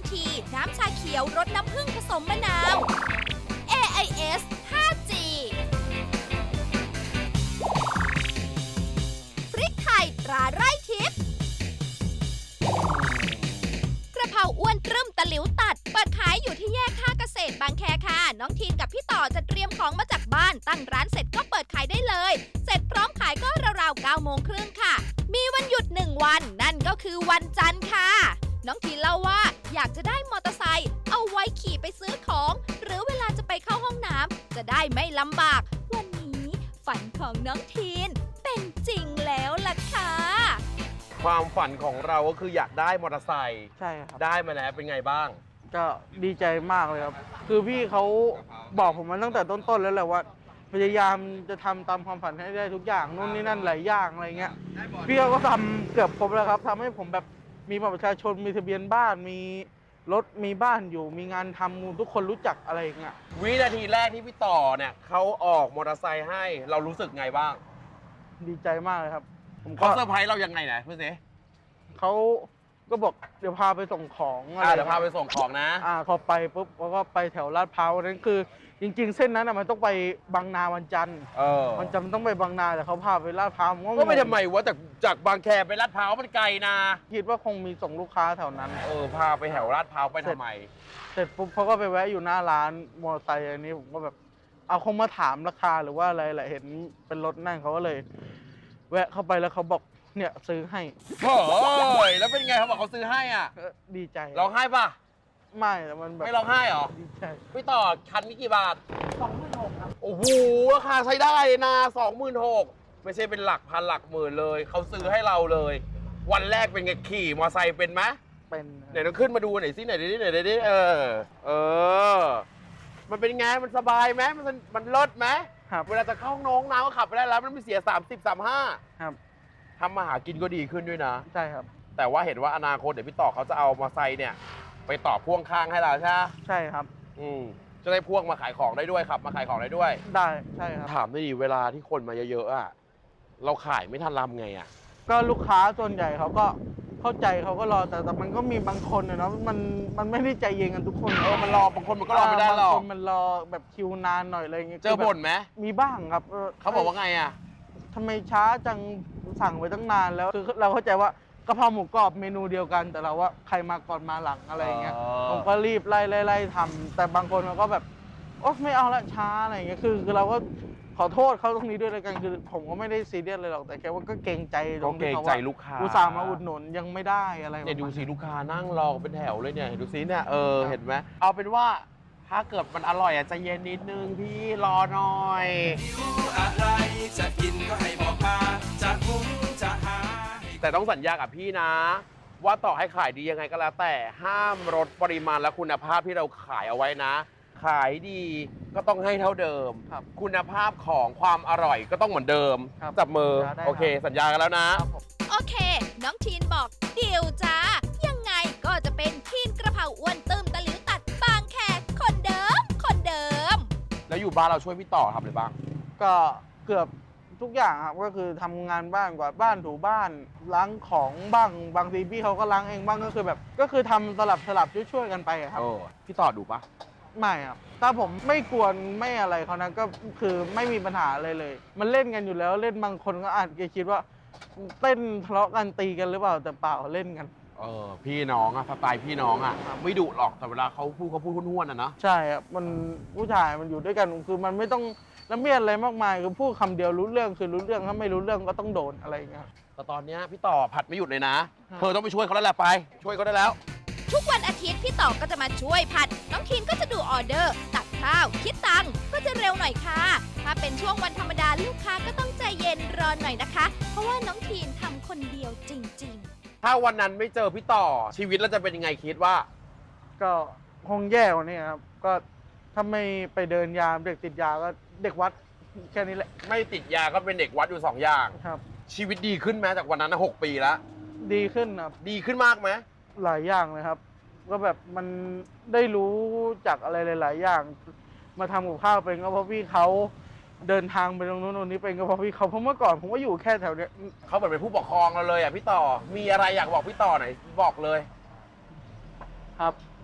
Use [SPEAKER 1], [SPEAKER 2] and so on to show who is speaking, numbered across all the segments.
[SPEAKER 1] ทีน้ำชาเขียวรสน้ำผึ้งผสมมะนาว AIS 5G พริกไทยตราไร่ทิพย์กระเพราอ้วนตรึมตะหลิวตัดเปิดขายอยู่ที่แยกท่าเกษตรบางแคค่ะ น้องทีนกับพี่ต่อจะเตรียมของมาจากบ้านตั้งร้านเสร็จก็เปิดขายได้เลย เสร็จพร้อมขายก็ราวๆ9 โมงครึ่งค่ะ มีวันหยุด1 วันนั่นก็คือวันจันทร์ค่ะ น้องทีนเล่าว่าอยากจะได้มอเตอร์ไซค์เอาไว้ขี่ไปซื้อของ หรือเวลาจะไปเข้าห้องน้ำจะได้ไม่ลำบาก วันนี้ฝันของน้องทีนเป็นจริงแล้วล่ะค่ะ
[SPEAKER 2] ความฝันของเราก็คืออยากได้มอเตอร์ไซค์
[SPEAKER 3] ใช่ครับ
[SPEAKER 2] ได้มาแล้วเป็นไงบ้าง
[SPEAKER 3] ก็ดีใจมากเลยครับ คือพี่เขาบอกผมมาตั้งแต่ต้นๆแล้วแหละว่า พยายามจะทำตามความฝันให้ได้ทุกอย่างนู่นนี่นั่นหลายอย่างอะไรเงี้ยพี่เขาก็ทำเกือบครบแล้วครับทำให้ผมแบบมีบัตรประชาชนมีทะเบียนบ้านมีรถมีบ้านอยู่มีงานทำทุกคนรู้จักอะไรอย่างเงี้ย
[SPEAKER 2] วินาทีแรกที่พี่ต่อเนี่ยเขาออกมอเตอร์ไซค์ให้เรารู้สึกไงบ้าง
[SPEAKER 3] ดีใจมากเลยครับ ผมก็
[SPEAKER 2] เขาเซอร์ไพรส์เรายังไงนะพี่เส
[SPEAKER 3] เขาก็บอกเดี๋ยวพาไปส่งของอะไร
[SPEAKER 2] เดี๋ยวพาไปส่งของนะ
[SPEAKER 3] พอไปปุ๊บเขาก็ไปแถวลาดพร้าวนั้นคือ จริง ๆ เส้นนั้นมันต้องไปบางนาวันจันทร์ วันจันทร์มันต้องไปบางนาแต่เขาพาไปลาดพร้าวผม
[SPEAKER 2] ก็ไม่ทำไมวะจากบางแคไปลาดพร้าวมันไกลนะ
[SPEAKER 3] คิดว่าคงมีส่งลูกค้าแถวนั้น
[SPEAKER 2] พาไปแถวลาดพร้าวไปทำไม
[SPEAKER 3] เสร็จปุ๊บเขาก็ไปแวะอยู่หน้าร้านมอเตอร์ไซค์อันนี้ผมก็แบบเอาคงมาถามราคาหรือว่าอะไรแหละเห็นเป็นรถนั่งเขาก็เลย แวะเข้าไปแล้วเขาบอกเนี่ยซื้อให้
[SPEAKER 2] โอ้ยแล้วเป็นไงเขาบอกเขาซื้อให้อ่ะ
[SPEAKER 3] ดีใจ
[SPEAKER 2] ร้องไห้ป่ะ
[SPEAKER 3] ไม่แต่มันแบบ
[SPEAKER 2] ไม่ร้องไห้เหรอ
[SPEAKER 3] ดีใจ
[SPEAKER 2] พี่ต่อคันนี้กี่บาท
[SPEAKER 3] 26,000 ครับ
[SPEAKER 2] โอ้โหราคาใช้ได้เลยนะ26,000ไม่ใช่เป็นหลักพันหลักหมื่นเลยเขาซื้อให้เราเลย วันแรกเป็นไงขี่มอเตอร์ไซค์เป็นไหม
[SPEAKER 3] เป็น
[SPEAKER 2] เดี๋ยวเราขึ้นมาดูหน่อยสิหน่อยดิมันเป็นไงมันสบายไหมมันเลิศไหม
[SPEAKER 3] ครับ
[SPEAKER 2] เวลาจะเข้าห้องน้ำก็ขับไปได้แล้วมันไม่เสีย30 35
[SPEAKER 3] ครับ
[SPEAKER 2] ทำมาหากินก็ดีขึ้นด้วยนะ
[SPEAKER 3] ใช่ครับ
[SPEAKER 2] แต่ว่าเห็นว่าอนาคตเดี๋ยวพี่ต่อเขาจะเอามอเตอร์ไซค์เนี่ยไปต่อพ่วงข้างให้เราใช่ไหม
[SPEAKER 3] ใช่ครับ
[SPEAKER 2] จะได้พ่วงมาขายของได้ด้วยครับมาขายของได้ด้วย
[SPEAKER 3] ได้ใช่ครับ
[SPEAKER 2] ถามได้ดีเวลาที่คนมาเยอะๆอ่ะเราขายไม่ทันรำไงอ่ะ
[SPEAKER 3] ก็ลูกค้าส่วนใหญ่เขาก็เข้าใจเขาก็รอแต่มันก็มีบางคนนะเนาะมันไม่ได้ใจเย็นกันทุกคน
[SPEAKER 2] มันรอบางคนมันก็รอไม่ได้หรอก
[SPEAKER 3] บางคนมันรอแบบคิวนานหน่อยอะไรเงี้ย
[SPEAKER 2] เจอบ่นไหม
[SPEAKER 3] มีบ้างครับ
[SPEAKER 2] เขาบอกว่าไงอ่ะ
[SPEAKER 3] ทำไมช้าจังสั่งไว้ตั้งนานแล้วคือเราเข้าใจว่ากะเพราหมูกรอบเมนูเดียวกัน แต่เราว่าใครมาก่อนมาหลังอะไรเงี้ยผมก็รีบไล่ทำแต่บางคนมันก็แบบโอ๊ยไม่เอาละช้าอะไรเงี้ยคือเราก็ขอโทษเขาตรงนี้ด้วยเลยกันคือผมก็ไม่ได้ซีเรียสเลยหรอกแต่แค่ว่าก็เกรงใจตรงที่เขาว่า
[SPEAKER 2] ลูกค้า
[SPEAKER 3] อุตส่าห์มาอุดหนุนยังไม่ได้อะไร
[SPEAKER 2] เนี่ยดูสิลูกค้านั่งรอเป็นแถวเลยเนี่ยดูสิเนี่ยเห็นไหมเอาเป็นว่าถ้าเกิดมันอร่อยอ่ะใจเย็นนิดนึงพี่รอหน่อย
[SPEAKER 4] อะไรจะกินก็ให้บอกมาจะหุงจะหา
[SPEAKER 2] แต่ต้องสัญญากับพี่นะ ว่าต่อให้ขายดียังไงก็แล้วแต่ห้ามลดปริมาณและคุณภาพที่เราขายเอาไว้นะ ขายดีก็ต้องให้เท่าเดิม
[SPEAKER 3] ครับ
[SPEAKER 2] คุณภาพของความอร่อยก็ต้องเหมือนเดิม
[SPEAKER 3] ครับ
[SPEAKER 2] จับมือ
[SPEAKER 3] ได้ครับ
[SPEAKER 2] โอเค สัญญากันแล้วนะ
[SPEAKER 3] ครับผม
[SPEAKER 1] โอเค น้องทีนบอกเดี๋ยวจ้า ยังไงก็จะเป็นทีนกระเพราอ้วนตึมตะหลิวตัดบางแคคนเดิม คนเดิม
[SPEAKER 2] แล้วอยู่บ้านเราช่วยพี่ต่อทำอะไรบ้าง
[SPEAKER 3] ก็เกือบทุกอย่างครับก็คือทำงานบ้านกวาดบ้านถูบ้านล้างของบ้างบางทีพี่เขาก็ล้างเองบ้างก็คือแบบก็คือทำสลับช่วยกันไปอะครับ
[SPEAKER 2] พี่ต่อดูปะ
[SPEAKER 3] ไม่ครับถ้าผมไม่กวนไม่อะไรเขานะก็คือไม่มีปัญหาอะไรเลย มันเล่นกันอยู่แล้วเล่นบางคนก็อาจจะคิดว่าเต้นทะเลาะกันตีกันหรือเปล่าแต่เปล่าเล่นกัน
[SPEAKER 2] พี่น้องอะสไตล์พี่น้องอะไม่ดุหรอกแต่เวลาเขาพูดห้วนๆอะนะ
[SPEAKER 3] ใช่ครับมันผู้ชายมันอยู่ด้วยกันคือมันไม่ต้องละเมียดอะไรมากมายคือพูดคำเดียวรู้เรื่องคือรู้เรื่องถ้าไม่รู้เรื่องก็ต้องโดนอะไรอย่างเงี้ย
[SPEAKER 2] แต่ตอนเนี้ยพี่ต่อผัดไม่หยุดเลยนะ
[SPEAKER 3] ครับ
[SPEAKER 2] เธอต้องไปช่วยเขาแล้วแหละไป ช่วยเขาได้แล้ว
[SPEAKER 1] ทุกวันอาทิตย์พี่ต่อก็จะมาช่วยผัด น้องทีนก็จะดูออเดอร์ ตักข้าว คิดตังค์ก็จะเร็วหน่อยค่ะ ถ้าเป็นช่วงวันธรรมดาลูกค้าก็ต้องใจเย็นรอหน่อยนะคะ เพราะว่าน้องทีนทำคนเดียวจริงๆ
[SPEAKER 2] ถ้าวันนั้นไม่เจอพี่ต่อชีวิตเราจะเป็นยังไงคิดว่า
[SPEAKER 3] ก็คงแย่กว่านี้ครับก็ถ้าไม่ไปเดินยามเด็กติดยาก็เด็กวัดแค่นี้แหละ
[SPEAKER 2] ไม่ติดยาก็เป็นเด็กวัดอยู่2 อย่าง
[SPEAKER 3] ครับ
[SPEAKER 2] ชีวิตดีขึ้นไหมจากวันนั้นนะ6 ปีแล้ว
[SPEAKER 3] ดีขึ้นครับ
[SPEAKER 2] ดีขึ้นมากไหม
[SPEAKER 3] หลายอย่างเลยครับ ก็แบบมันได้รู้จากอะไรหลาย ๆ อย่าง มาทำกับข้าวเป็นก็เพราะพี่เขาเดินทางไปตรงนู้นตรงนี้เป็นก็เพราะพี่เขาเพราะเมื่อก่อนผมก็อยู่แค่แถวเนี้ย
[SPEAKER 2] เขาเหมือนเป็นผู้ปกครองเราเลยอ่ะพี่ต่อมีอะไรอยากบอกพี่ต่อหน่อยบอกเลย
[SPEAKER 3] ครับ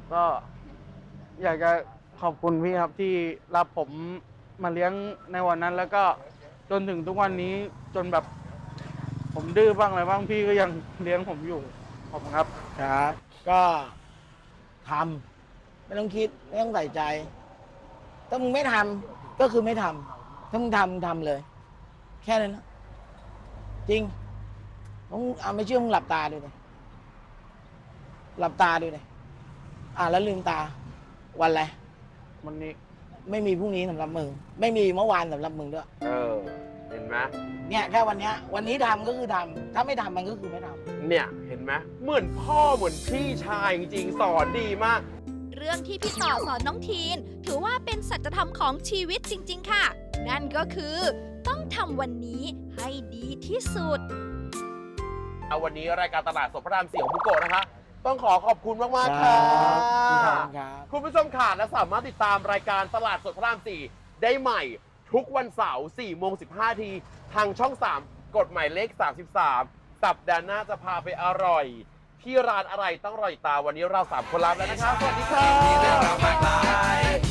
[SPEAKER 3] ก็อยากจะขอบคุณพี่ครับที่รับผมมาเลี้ยงในวันนั้น แล้วก็จนถึงทุกวันนี้จนแบบผมดื้อบ้างอะไรบ้างพี่ก็ยังเลี้ยงผมอยู่ขอบคุณครับ
[SPEAKER 5] ครับ ก็ทำไม่ต้องคิดไม่ต้องใส่ใจ ถ้ามึงไม่ทำก็คือไม่ทำถ้ามึงทำมึงทำเลย แค่นั้นนะจริงมึงไม่เชื่อมึงหลับตาดูเลยหลับตาดูเลยแล้วลืมตา วันอะไร
[SPEAKER 3] วันนี้
[SPEAKER 5] ไม่มีพรุ่งนี้สำหรับมึง ไม่มีเมื่อวานสำหรับมึงด้วย
[SPEAKER 2] เห็นไหม
[SPEAKER 5] เนี่ยแค่วันนี้ทำก็คือทำถ้าไม่ทำมันก็คือไม่ทำ
[SPEAKER 2] เนี่ยเห็นไหมเหมือนพ่อเหมือนพี่ชายจริงๆสอนดีมาก
[SPEAKER 1] เรื่องที่พี่ต่อสอนน้องทีน ถือว่าเป็นสัจธรรมของชีวิตจริง ๆ ค่ะ นั่นก็คือต้องทำวันนี้ให้ดีที่สุด
[SPEAKER 2] เอาวันนี้รายการตลาดสดพระราม4ของบุโกะนะคะ ต้องขอขอบคุณมากๆ
[SPEAKER 5] ครั
[SPEAKER 2] ค่ะ
[SPEAKER 5] บครับ
[SPEAKER 2] คุณผู้ชมค่ะและสามารถติดตามรายการตลาดสดพระราม 4 ได้ใหม่ ทุกวันเสาร์ 4:15 ทีทางช่อง 3 กฎหมายเลข 33 สัปดาห์หน้าจะพาไปอร่อย ที่ร้านอะไรต้องรอติดตามวันนี้เรา 3 คนลาไปแล้วนะคะ สวัสดีค่ะ
[SPEAKER 4] มีเรื่องราวมากมาย